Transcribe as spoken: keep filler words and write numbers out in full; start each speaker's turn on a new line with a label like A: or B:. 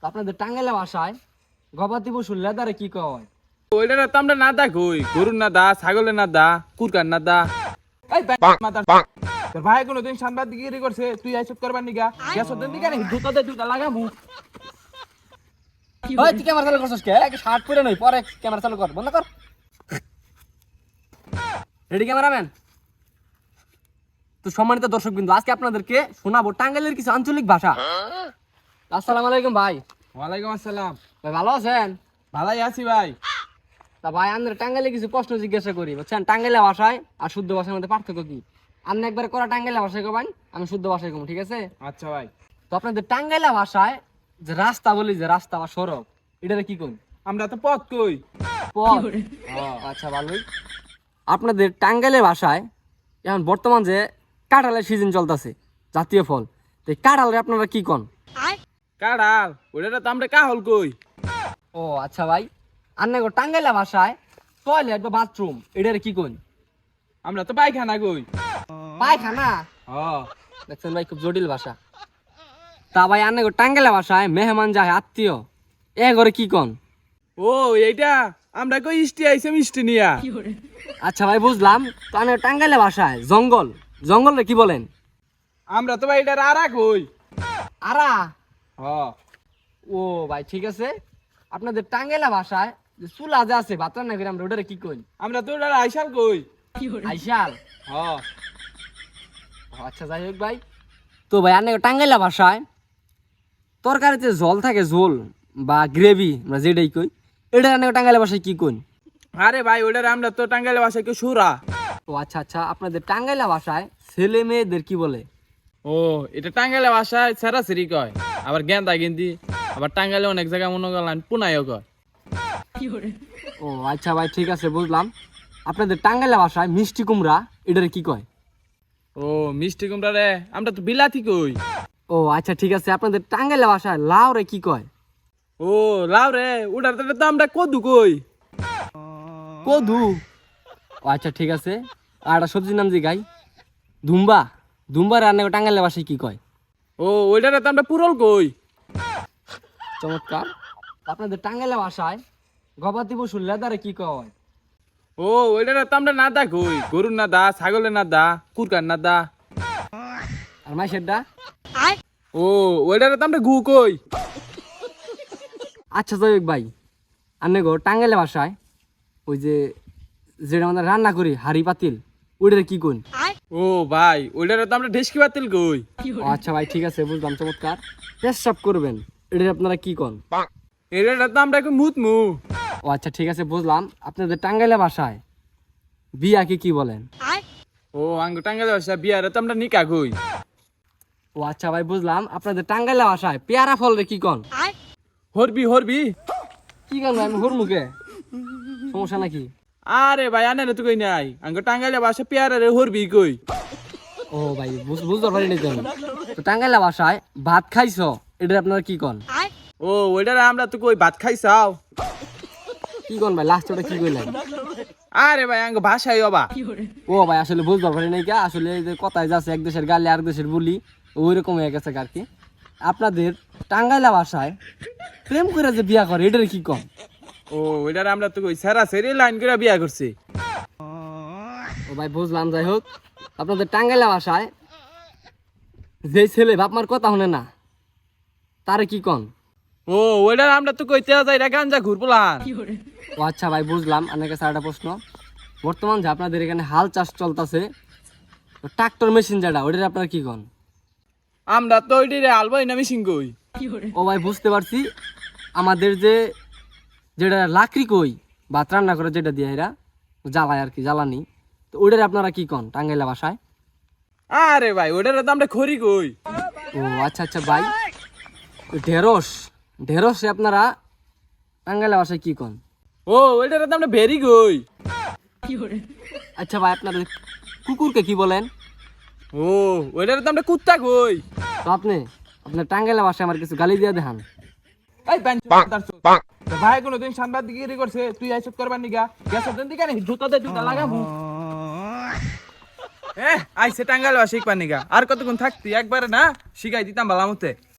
A: আপনাদের টাঙ্গাইলে ভাষায় গবাদি পশুর লেদারে কি কয়?
B: ওইটা তো আমরা না দা কই, গরুর না দা, ছাগলের না দা, কুরকার না দা।
C: এই মাতার তোর ভাই কোনোদিন সাংবাদিকগিরি করছে, তুই আইসব করবার নিগা গ্যাস ওদের দিকে নি দুটো দে দুটো লাগামু।
A: ওই তুই ক্যামেরা চালু করছিস কে? আগে শার্ট পরে নই, পরে ক্যামেরা চালু কর, বন্ধ কর। Ready cameraman? তো সম্মানিত দর্শক বিন্দু, আজকে আপনাদেরকে শোনাবো টাঙ্গাইলের কিছু আঞ্চলিক ভাষা। আসসালামু আলাইকুম ভাই।
C: ওয়ালাইকুম আসসালাম।
A: ভাই ভালো আছেন?
C: ভালাই আছি ভাই।
A: তা ভাই আমাদের টাঙ্গাইলে কিছু প্রশ্ন জিজ্ঞাসা করি, বুঝছেন? টাঙ্গাইলে ভাষায় আর শুদ্ধ ভাষার মধ্যে পার্থক্য কি? আপনি একবার করা টাঙ্গাইলে ভাষায় কবেন, আমি শুদ্ধ ভাষায় কম, ঠিক আছে?
C: আচ্ছা ভাই।
A: তো আপনাদের টাঙ্গাইলা ভাষায় যে রাস্তা বলি, যে রাস্তা বা সড়ক, এটারে কি কই?
C: আমরা তো পথ কই।
A: পথ। আচ্ছা ভালোই। আপনাদের টাঙ্গাইলের ভাষায় এখন বর্তমান যে কাঁঠালের সিজন চলতেছে, জাতীয় ফল, তো এই কাঁঠালের আপনারা কি কন?
B: কাড়াল, ওইটা তো আমরা কাহল কই।
A: ও আচ্ছা ভাই, আন্না টাঙ্গাইলা ভাষায় টয়লেট বা বাথরুম এটারে কি কন?
C: আমরা তো পায়খানা কই।
A: পায়খানা?
C: হ।
A: দেখছেন ভাই, খুব জটিল ভাষা। তা ভাই আন্না টাঙ্গাইলা ভাষায় মেহমান যায় আত্মীয়, এ ঘরে কি কন?
B: ও এইটা আমরা কই ইষ্টি আইছে মিষ্টি নিয়া।
A: আচ্ছা ভাই বুঝলাম। তো আমি টাঙ্গাইলে ভাষায় জঙ্গল, জঙ্গলে কি বলেন?
C: আমরা তো ভাই এটা আরা কই।
A: আরা?
C: হ।
A: ও ভাই ঠিক আছে। আপনাদের টাঙ্গাইলা ভাষায় যে চুলা যে আছে ভাত রান্না করে, আমরা ওটারে কি কই?
C: আমরা তো এটা আইসাল কই।
A: আইসাল?
C: হ।
A: ও, আচ্ছা যাই হোক ভাই। তো ভাই আন্না টাঙ্গাইলা ভাষায় তরকারিতে ঝোল থাকে, ঝোল বা গ্রেভি আমরা যেটাই কই, এটা আন্না টাঙ্গাইলা ভাষায় কি কই?
B: আরে ভাই ওইটা আমরা তো টাঙ্গাইলে ভাষায় কেউ সুরা।
A: ও আচ্ছা আচ্ছা, আপনাদের টাঙ্গাইলা ভাষায় ছেলে মেয়েদের কি বলে?
B: ও এটা টাঙ্গাইলে ভাষায় সেরাসেরি কয়, আবার গেন্দা গেন্দি, আবার টাঙ্গাইলে অনেক জায়গায় মনে করলেন পুনাইও কয়।
A: ও আচ্ছা ভাই ঠিক আছে বুঝলাম। আপনাদের টাঙ্গাইলা ভাষায় মিষ্টি কুমড়া এটারে কি কয়?
B: ও মিষ্টি কুমড়া রে আমরা তো বিলাতি কই।
A: ও আচ্ছা ঠিক আছে। আপনাদের টাঙ্গাইলা ভাষায় লাউ রে কি কয়?
B: ও লাউ রে ওটার তো আমরা কদু কই।
A: কদু? ও আচ্ছা ঠিক আছে। আর একটা সবজির নাম যে গাই, ধুম্বা, ধুম্বা রান্না টাঙ্গাইলা ভাষায় কি কয়?
B: ও ওইটারে তো আমরা পুরল কই।
A: চমৎকার। আপনাদের টাঙ্গাইলা ভাষায় গবাদি পশুর লেদারে কি কয়?
B: ও ওইটারে তো আমরা না দা কই, গরুর না দা, ছাগলের না দা, কুরকার না দা।
A: আর মাইশেরটা?
B: ও ওইটারে তো আমরা গু কই।
A: আচ্ছা যাই হোক ভাই, আন্নে গো টাঙ্গাইলা ভাষায় ওই যে যেটা আমাদের রান্না করি হাড়ি পাতিল, ওইটারে কি কই?
B: ও ভাই ওইটারে তো আমরা ঢেসকি বাতিল কই।
A: ও আচ্ছা ভাই ঠিক আছে বুঝলাম, চমৎকার। পেশাব করবেন এটা আপনারা কি কন?
B: এটারে তো আমরা কই মুত মু।
A: ও আচ্ছা ঠিক আছে বুঝলাম। আপনাদের টাঙ্গাইলা ভাষায় বিয়াকে কি বলেন?
B: ও আঙ্গ টাঙ্গাইলে ভাষা বিয়ারে তো আমরা নিকা কই।
A: ও আচ্ছা ভাই বুঝলাম। আপনাদের টাঙ্গাইলা ভাষায় পেয়ারা ফল রে কি কন?
B: হরবি হরবি।
A: কি কন ভাই, আমি হুর মুখে সমস্যা নাকি?
B: আরে ভাই আনে তো কই নাই, আঙ্গ টাঙ্গাইলে ভাষা পেয়ারে রে হরবি কই।
A: ও ভাই বুঝ- বুঝতে পারি নাই তো আমি। তো টাঙ্গাইলা ভাষায় ভাত খাইছো এটা আপনারা কি কন?
B: ও ওইটারে আমরা তো কই ভাত খাইছাও।
A: কি কন ভাই, লাস্ট ওটা কি কইলেন?
B: আরে ভাই আঙ্গ ভাষাই অবা।
A: ও ভাই আসলে বুঝতে পারি নাই কা, আসলে এই যে কথায় যাচ্ছে এক দেশের গালে আর দেশের বলি, ওই রকম হয়ে গেছে আর কি। আপনাদের টাঙ্গাইলা ভাষায় প্রেম করে যে বিয়া করে এটার কি কন?
B: ও ওইটারে আমরা তো কই সেরাসেরি লাইন করে বিয়া করছি।
A: ও ভাই বুঝলাম। যাই হোক, আপনাদের টাঙ্গাইলা ভাষায় যে ছেলে বাপ মার কথা শুনে না তারে কি কন?
B: ও ওইটারে আমরা তো কই তেয়া যাইরা গাঞ্জা ঘুরবলান।
A: ও আচ্ছা ভাই বুঝলাম। আপনার কাছে একটা প্রশ্ন, বর্তমান যে আপনাদের এখানে হাল চাষ চলতেছে, ট্রাক্টর মেশিন যেটা, ওইটার আপনারা কি কন?
B: আমরা তো ওইটারে আলবাই না মিশিং কই।
A: ও ভাই বুঝতে পারছি। আমাদের যে যেটা লাকড়ি কই ভাত রান্না করে যেটা দিয়ে এরা জ্বালায় আর কি, জ্বালানি, তো ওইটার আপনারা কি কন টাঙ্গাইলা ভাষায়?
B: আরে ভাই ওইটারে তো আমরা খড়ি কই।
A: ও আচ্ছা আচ্ছা ভাই, ওই ঢেঁড়স, ঢেঁড়সে আপনারা টাঙ্গাইলা ভাষায় কি কন?
B: ও ওইটারে তো আমরা ভেরি কই।
A: আচ্ছা ভাই, আপনাদের কুকুরকে কি বলেন?
B: ও ওইটারে তো আমরা কুত্তা কই।
A: তো আপনি আপনার টাঙ্গাইলা ভাষায় আমার কিছু গালি দিয়ে দেখান।
C: এই মাতার তোর ভাই কোনোদিন সাংবাদিকগিরি করছে, তুই আইসব করবার নিগা গ্যাস ওদের দিকে নি দুটো দে দুটো লাগামু।
B: এ আইছে টাঙ্গাইল ভাষা শিখবার নিগা, আর কতক্ষণ থাকতি একবারে না শিখাই দিতাম ভালো মতে।